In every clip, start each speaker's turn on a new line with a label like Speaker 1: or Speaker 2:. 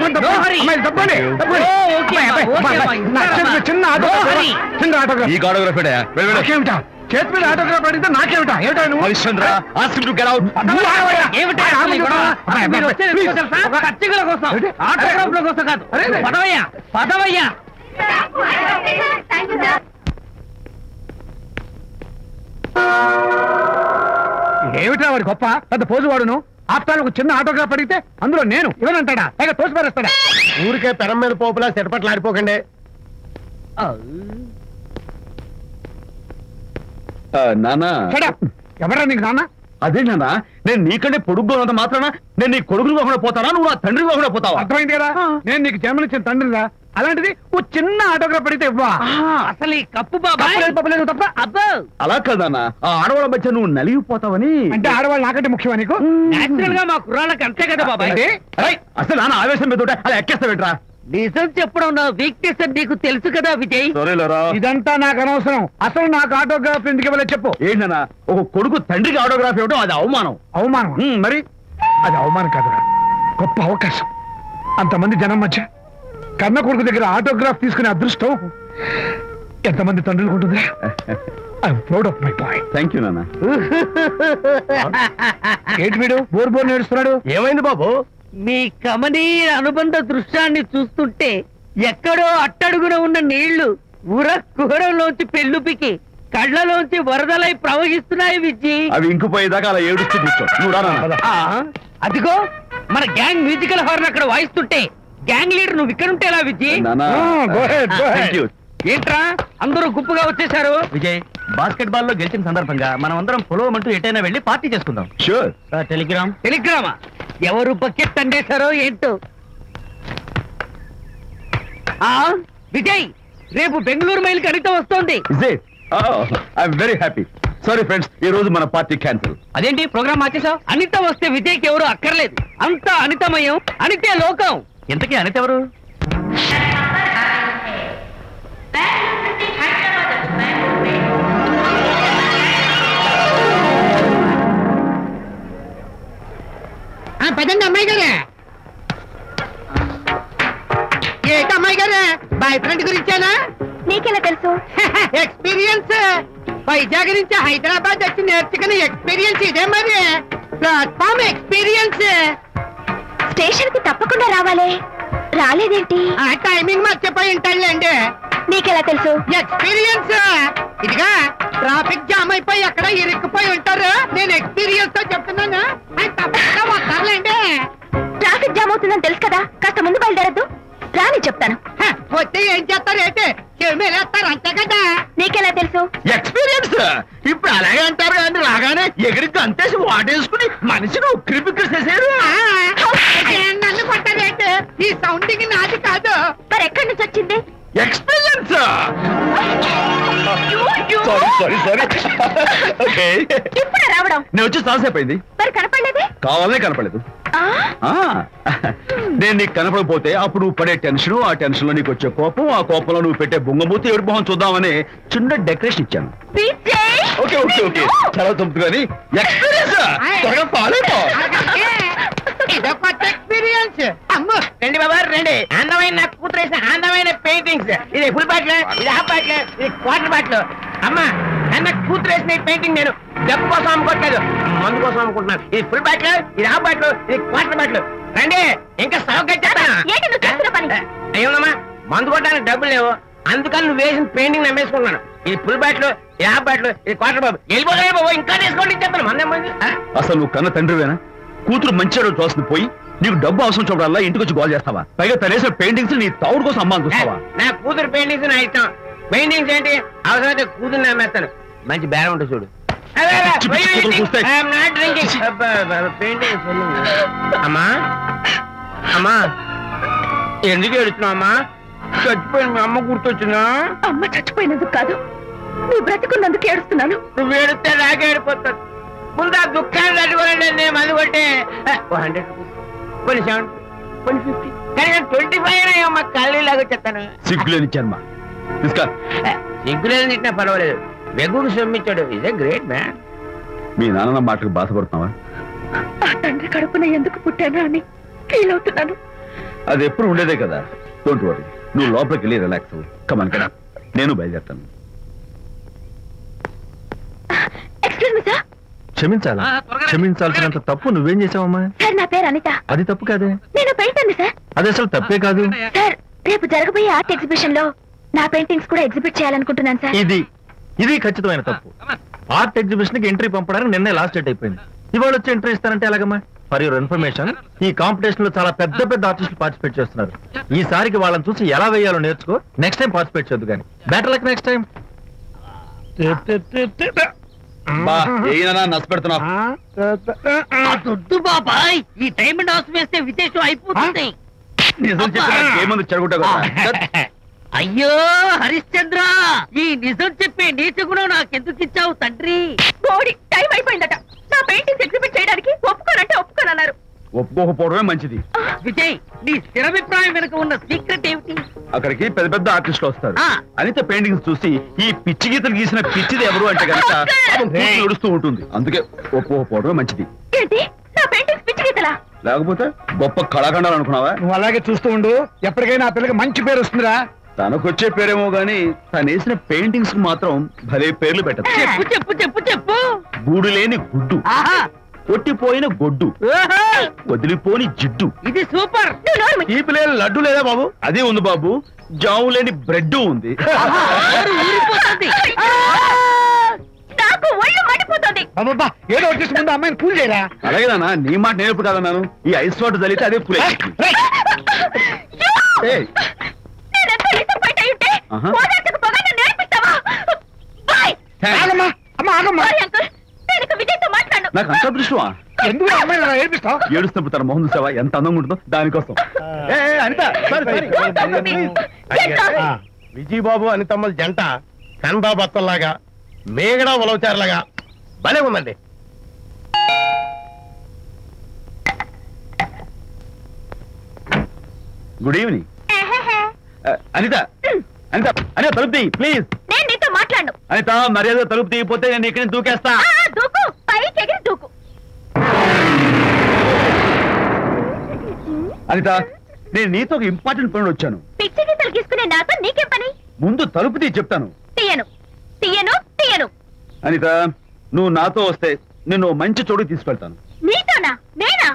Speaker 1: చిన్న ఆటోగ్రాఫ్ నాకేమిటా చేతి మీద ఆటోగ్రాఫ్ అడిగితే నాకేమిటా ఏమిటా నువ్వు ఏమిటా వాడి గొప్ప పెద్ద పోజు వాడును ఆఫ్టర్ ఒక చిన్న ఆటోగ్రాఫ్ అడిగితే అందులో నేను ఇవ్వనంటాడా పైగా తోసి పారేస్తాడా ఊరికే పెరం మీద పోపులా చెరపట్లు ఆడిపోకండి
Speaker 2: నానా
Speaker 1: ఎవరా నీకు నాన్న
Speaker 2: అదే నానా నేను నీకంటే పొడుగ్గా ఉన్నంత మాత్రాన నేను నీ కొడుకుని కాకుండా పోతానా నువ్వు నా తండ్రి కాకుండా పోతావా
Speaker 1: అర్థమైంది కదా నేను నీకు జన్మనిచ్చిన తండ్రిరా అలాంటిది ఓ చిన్న ఆటోగ్రాఫ్ అడిగితే ఇవ్వా
Speaker 3: అసలు ఈ కప్పు బాబా
Speaker 1: తప్ప అబ్బా
Speaker 2: అలా కదన్నా ఆ ఆడవాళ్ళ మధ్య నువ్వు నలిగిపోతావని
Speaker 1: అంటే ఆడవాళ్ళు నాకంటే ముఖ్యమా నీకు
Speaker 3: నేచురల్ గా మా కుర్రాళ్ళకి అంతే కదా బాబాయ్
Speaker 2: అసలు నాన్న ఆవేశం మీద అలా ఎక్కేస్తావేట్రా
Speaker 3: నిజం చెప్పడం నా వీక్నెస్ అని నీకు తెలుసు కదా విజయ్
Speaker 1: ఇదంతా నాకు అనవసరం అసలు నాకు ఆటోగ్రాఫ్ ఎందుకు ఇవ్వలేదు చెప్పు
Speaker 2: ఏంటన్నా ఒక కొడుకు తండ్రికి ఆటోగ్రాఫ్ ఇవ్వడం అది అవమానం
Speaker 1: అవమానం
Speaker 2: మరి
Speaker 1: అది అవమానం కాదురా గొప్ప అవకాశం అంతమంది జనం మధ్య కన్న కొడుకు దగ్గర ఆటోగ్రాఫ్ తీసుకునే అదృష్టం ఎంతమంది తండ్రులకు ఉంటుంది I'm proud of my boy
Speaker 2: thank you నాన్న
Speaker 1: ఏంటి వీడు బోర్ బోర్ నేడుస్తున్నాడు
Speaker 2: ఏమైంది బాబు
Speaker 3: మీ కమనీయ అనుబంధ దృశ్యాన్ని చూస్తుంటే ఎక్కడో అట్టడుగున ఉన్న నీళ్లు ఉర కుహరంలోంచి పెళ్ళుపికి కళ్ళలోంచి వరదలై ప్రవహిస్తున్నాయి విజ్జి
Speaker 2: అవి ఇంకుపోయేదాకా అలా ఏడుస్తూ కూర్చో నువ్వు రా నాన్న.
Speaker 3: అదిగో మన గ్యాంగ్ మ్యూజికల్ హార్న్ అక్కడ వాయిస్తుంటే గ్యాంగ్ లీడర్ నువ్వు ఇక్కడ ఉంటే ఎలా విజ్జి
Speaker 2: నాన్న
Speaker 1: go ahead.
Speaker 2: థ్యాంక్ యూ
Speaker 3: ఏంట్రా అందరూ గుంపుగా వచ్చేసారు
Speaker 4: విజయ్ బాస్కెట్ బాల్ లో గెలిచిన సందర్భంగా మనం అందరం పొలవమంటూ ఎటైనా వెళ్ళి పార్టీ చేసుకుందాం
Speaker 2: షూర్
Speaker 4: టెలిగ్రామ్
Speaker 3: టెలిగ్రామా ఎవరు బకెట్ అండేశారో ఏంటో విజయ్ రేపు బెంగళూరు మైల్ అనిత వస్తోంది
Speaker 2: is it I'm very happy sorry friends ఈ రోజు మన పార్టీ క్యాన్సిల్
Speaker 3: అదేంటి ప్రోగ్రామ్ మార్చేసావు అనిత వస్తే విజయ్కి ఎవరు అక్కర్లేదు అంతా అనితమయం అనితే లోకం
Speaker 4: ఇంతకీ అనిత ఎవరు
Speaker 3: పదండి అమ్మాయి గారే ఏంటి అమ్మాయి గారే బాయ్ ఫ్రెండ్ గురించేనా
Speaker 5: నీకెలా తెలుసు
Speaker 3: ఎక్స్పీరియన్స్ వైజాగ్ నుంచి హైదరాబాద్ వచ్చి నేర్చుకునే ఎక్స్పీరియన్స్ ఇదే మరి ప్లాట్ఫామ్ ఎక్స్పీరియన్స్
Speaker 5: స్టేషన్ కి తప్పకుండా రావాలే రాలేదేంటి
Speaker 3: ఆ టైమింగ్ మర్చిపోయి ఉంటాడులేండి
Speaker 5: నీకెలా తెలుసు
Speaker 3: ఎక్స్పీరియన్స్ ఇదిగా ట్రాఫిక్ జామ్ అయిపోయి ఎక్కడ ఇరుక్కుపోయి ఉంటారు నేను ఎక్స్పీరియన్స్ తో చెప్తున్నాను ఆయన తప్పకుండా వస్తారులేండి
Speaker 5: ట్రాఫిక్ జామ్ అవుతుందని తెలుసు కదా కాస్త ముందు బయలుదేరద్దు రాని చెప్తాను
Speaker 3: వస్తే ఏం చేస్తారు ఏంటి చెమేలేస్తారు అంతే కదా
Speaker 5: నీకెలా తెలుసు
Speaker 2: ఎక్స్పీరియన్స్ ఇప్పుడు అలాగే అంటారు కానీ రాగానే ఎగిరికి అంతేసి వాటేసుకుని మనిషిని ఉక్కిరి బిక్కిరి చేశారు
Speaker 3: నన్ను కొట్టారేంటి ఈ సౌండింగ్ నాది కాదు
Speaker 5: మరి ఎక్కడి నుంచి వచ్చింది
Speaker 2: ఎక్స్పీరియన్స్ సారీ ఓకే
Speaker 5: ఇప్పుడే రావడం
Speaker 2: నేను వచ్చి చాలాసేపు అయింది
Speaker 5: మరి కనపడలేదే
Speaker 2: కావాలనే కనపడలేదు
Speaker 5: ఆ,
Speaker 2: నేను నీకు కనపడకపోతే అప్పుడు నువ్వు పడే టెన్షన్ ఆ టెన్షన్ లో నీకు వచ్చే కోపం ఆ కోపంలో నువ్వు పెట్టే బొంగమూతి ఏడు మొహం చూద్దామని చిన్న డెకరేషన్ ఇచ్చాను
Speaker 5: విజయ్!
Speaker 2: ఓకే ఓకే ఓకే చాలా తప్పు కానీ ఎక్స్పీరియన్స్ త్వరగా ఫాలో
Speaker 3: ఇదో కొత్త ఎక్స్పీరియన్స్ అమ్ము రండి బాబా రండి అందమైన నాకు కూతురు వేసిన అందమైన పెయింటింగ్స్ ఇది ఫుల్ బాటిల్ ఇది హాఫ్ బాటిల్ ఇది క్వార్టర్ బాటిల్ అమ్మా అన్న కూతురు వేసిన ఈ పెయింటింగ్ నేను డబ్బు కోసం అమ్ముకోవట్లేదు మందు కోసం అమ్ముకుంటున్నాను ఇది ఫుల్ బాటిల్ ఇది హాఫ్ బాటిల్ ఇది క్వార్టర్ బాటిల్ రండి ఇంకా సౌకర్యం
Speaker 5: ఏంటి నువ్వు చేస్తున్న పని?
Speaker 3: అయ్యోమ్మా మందు కొట్టడానికి డబ్బులు లేవు అందుకని నువ్వు వేసిన పెయింటింగ్ నమ్మేసుకుంటున్నాను ఇది ఫుల్ బాటిల్ ఇది హాఫ్ బాటిల్ ఇది క్వార్టర్ బాబు వెళ్ళిపోతాయి బాబు ఇంకా తీసుకోండి చెప్తాను మందేం
Speaker 2: అసలు నువ్వు కన్న తండ్రివేనా కూతురు మంచిగా చూస్తుంది పోయి నీకు డబ్బు అవసరం చూడాలా ఇంటికి వచ్చి గోల్ చేస్తావా పైగా తనేసిన పెయింటింగ్స్ నీ తౌడు కోసం అమ్మాని చూస్తావా
Speaker 3: నా కూతురు పెయింటింగ్స్ నా ఇష్టం పెయింటింగ్స్ ఏంటి అవసరమైతే కూతురు నమ్మేస్తాను మంచి బేరం ఉంటుంది చూడు అమ్మా అమ్మా ఎందుకు ఏడుస్తున్నావు అమ్మా చచ్చిపోయిన మీ అమ్మ గుర్తొచ్చిందా
Speaker 5: అమ్మ చచ్చిపోయినందుకు కాదు నువ్వు బ్రతుకున్నందుకు ఏడుస్తున్నాను
Speaker 3: నువ్వు ఏడితే నాకే ఏడిపోతాను ముందు ఆ దుఃఖాన్ని తట్టుకోనండి నేను మందు కొట్టే 100 కొన్ని 70 కొన్ని 50 కానీ 25 అమ్మ కళ్ళు లాగా చెప్తాను
Speaker 2: సిగ్గులేని జన్మ
Speaker 3: సిగ్గులేదు తిట్టినా పర్వాలేదు వెగుడు సొమ్మించాడు ఇస్ ఏ గ్రేట్ మ్యాన్
Speaker 2: మీ నాన్న మాటకు బాధపడుతున్నావా
Speaker 5: ఆ తండ్రి కడుపున ఎందుకు పుట్టానా అని ఫీల్ అవుతున్నాను
Speaker 2: అది ఎప్పుడు ఉండేదే కదా. డోంట్ వరీ, నువ్వు లోపలికి వెళ్ళి రిలాక్స్ అవ్వు. కమాన్ కదా, నేను బయలుదేరుతాను.
Speaker 5: Excuse me sir.
Speaker 6: క్షమించాలా? క్షమించాల్సినంత తప్పు నువ్వేం చేసావమ్మా?
Speaker 5: సార్ నా పేరు అనిత.
Speaker 6: అది తప్పు కాదే.
Speaker 5: నేను పెయింటర్ని సార్.
Speaker 6: అది అసలు తప్పే కాదు.
Speaker 5: సార్ రేపు జరగబోయే ఆర్ట్ ఎగ్జిబిషన్ లో నా పెయింటింగ్స్ కూడా ఎగ్జిబిట్ చేయాలనుకుంటున్నాను సార్.
Speaker 6: ఇది ఖచ్చితమైన తప్పు. ఆర్ట్ ఎగ్జిబిషన్ కి ఎంట్రీ పంపడానికి నిన్నే లాస్ట్ డేట్ అయిపోయింది. ఇవాళ వచ్చి ఎంట్రీ ఇస్తానంటే ఎలాగమ్మా? ఫర్ యువర్ ఇన్ఫర్మేషన్, ఈ కాంపిటీషన్ లో చాలా పెద్ద పెద్ద ఆర్టిస్టులు పార్టిసిపేట్ చేస్తున్నారు. ఈసారికి వాళ్ళని చూసి ఎలా వేయాలో నేర్చుకో. నెక్స్ట్ టైం పార్టిసిపేట్ చేయొద్దు కానీ. Better luck next time.
Speaker 2: బా ఏనా నచ్చ పెడుతున్నావు?
Speaker 3: దొడ్డు బాబాయ్, ఈ డైమండ్ హౌస్ వేస్తే విశేషం అయిపోతుంది.
Speaker 2: నిజం చెప్పిన ఏమంది చెడగొట్టావు కదా.
Speaker 3: అయ్యో హరిశ్చంద్ర, ఈ నిజం చెప్పే నీచ గుణం నాకెందుకు ఇచ్చావు తండ్రి?
Speaker 5: బోడి టైం అయిపోయిందట. నా పెయింటింగ్స్ ఎగ్జిబిట్ చేయడానికి ఒప్పుకోనంటే ఒప్పుకోనన్నారు.
Speaker 2: ఒప్పుకోకపోవడమే మంచిది.
Speaker 3: విజయ్, నీ స్థిరాభిప్రాయం వెనుక ఉన్న సీక్రెట్ ఏమిటి?
Speaker 2: అక్కడికి పెద్ద పెద్ద ఆర్టిస్టులు వస్తారు.
Speaker 3: ఆ.
Speaker 2: అనిత పెయింటింగ్స్ చూసి ఈ పిచ్చి గీతలు గీసిన పిచ్చిది ఎవరు అంటే కనుక నడుస్తూ ఉంటుంది. అందుకే ఒప్పుకోకపోవడమే మంచిది.
Speaker 5: ఏంటి నా పెయింటింగ్స్ పిచ్చి గీతలా?
Speaker 2: లేకపోతే గొప్ప కళాఖండాలు అనుకున్నావా?
Speaker 1: నువ్వు అలాగే చూస్తూ ఉండు, ఎప్పటికైనా ఆ పిల్లకి మంచి పేరు వస్తుందిరా.
Speaker 2: తనకొచ్చే పేరేమో గాని తను వేసిన పెయింటింగ్స్ కు మాత్రం భలే పేర్లు పెట్టదు.
Speaker 3: చెప్పు చెప్పు చెప్పు చెప్పు.
Speaker 2: గూడు లేని గుడ్డు,
Speaker 3: ఆహా,
Speaker 2: కొట్టిపోయిన గొడ్డు,
Speaker 3: ఓహో,
Speaker 2: వదిలిపోని జిడ్డు,
Speaker 3: ఇది సూపర్.
Speaker 5: నువ్వు నోరు మూయి.
Speaker 2: తీపి లేని లడ్డు లేదా బాబు? అదే ఉంది బాబు. జాము లేని బ్రెడ్ ఉంది.
Speaker 3: నోరు ఊరిపోతుంది.
Speaker 5: నాకు ఒళ్ళు మండిపోతుంది.
Speaker 1: అబ్బబ్బా, ఏదో వచ్చేసి ముందు అమ్మాయిని కూల్ చేయరా.
Speaker 2: అలాగేనా? నీ మాట నేర్పు కదన్నాను. ఈ ఐస్ వాటర్ చల్లితే అదే ఫుల్
Speaker 5: నేనెంత disappoint అయి ఉంటే
Speaker 2: ఆహా.
Speaker 5: ఓదార్చకపోగా నన్ను నేర్పిస్తావా? బాయ్.
Speaker 1: ఆగమ్మా, అమ్మా ఆగమ్మా.
Speaker 5: సారీ అంకుల్, నేను ఇక విజయ్తో మాట్లాడను.
Speaker 2: నాకు అంత దృష్టమా?
Speaker 1: ఎందుకు అమ్మాయిని అలా ఏడిపిస్తావు?
Speaker 2: ఏడుస్తున్నప్పుడు తన మొహం చూసావా ఎంత అందంగా ఉంటుందో? దానికోసం. Anitha sorry, sorry.
Speaker 5: Don't talk to me. Get lost.
Speaker 7: Vijaya Babu అనితమ్మల జంట కన్బా బత్తల్లాగా మేగడ ఉలవచారులాగా భలే ఉందండి.
Speaker 2: Good evening. అనిత అనిత అనిత తలుపు తీయి ప్లీజ్.
Speaker 5: నేను నీతో మాట్లాడను.
Speaker 2: అనిత మర్యాద తలుపు తీయకపోతే నేను ఇక్కడి నుంచి దూకేస్తా.
Speaker 5: దూకు, పైకి ఎగిరి దూకు.
Speaker 2: అనిత, నేను నీతో ఒక ఇంపార్టెంట్ పని వచ్చాను.
Speaker 5: పిచ్చి గీతలు గీసుకునే నాతో నీకేం పని?
Speaker 2: ముందు తలుపు తీయి చెప్తాను.
Speaker 5: తీయను తీయను తీయను.
Speaker 2: అనిత, నువ్వు నాతో వస్తే నిన్ను ఓ మంచి చోటుకి తీసుకెళ్తాను.
Speaker 5: నీతోనా? నేనా?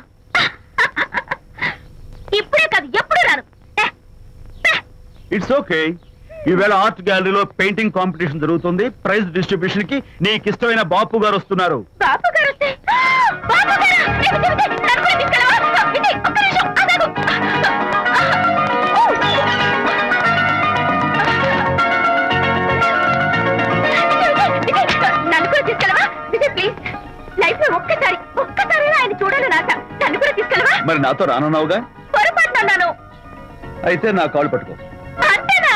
Speaker 5: ఇప్పుడే కాదు, ఎప్పుడు రాను.
Speaker 2: It's okay. ఈవేళ ఆర్ట్ గ్యాలరీలో పెయింటింగ్ కాంపిటీషన్ జరుగుతుంది. ప్రైజ్ డిస్ట్రిబ్యూషన్ కి నీకు ఇష్టమైన బాపు గారు వస్తున్నారు.
Speaker 5: బాపు గారు వస్తే బాపు గారా? విజయ్, విజయ్, నన్ను కూడా తీసుకెళ్ళవా? విజయ్, ఒక్క నిమిషం ఆగు. విజయ్, నన్ను కూడా తీసుకెళ్ళవా? విజయ్ ప్లీజ్, లైఫ్ లో ఒక్కసారి ఆయన చూడాలని ఆశ. నన్ను కూడా తీసుకెళ్ళవా?
Speaker 2: మరి నాతో రానున్నావుగా?
Speaker 5: పొరపాటున అన్నాను.
Speaker 2: అయితే నా కాళ్ళు పట్టుకో.
Speaker 5: అంతేనా?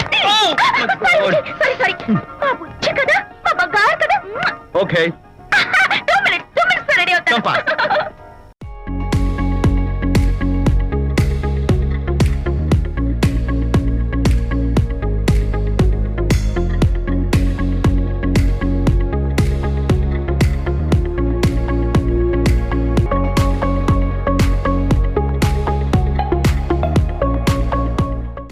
Speaker 5: సారీ మా బుజ్జి కదా, మా బంగారు కదా.
Speaker 2: ఓకే.
Speaker 5: 2 minutes రెడీ అవుతాను.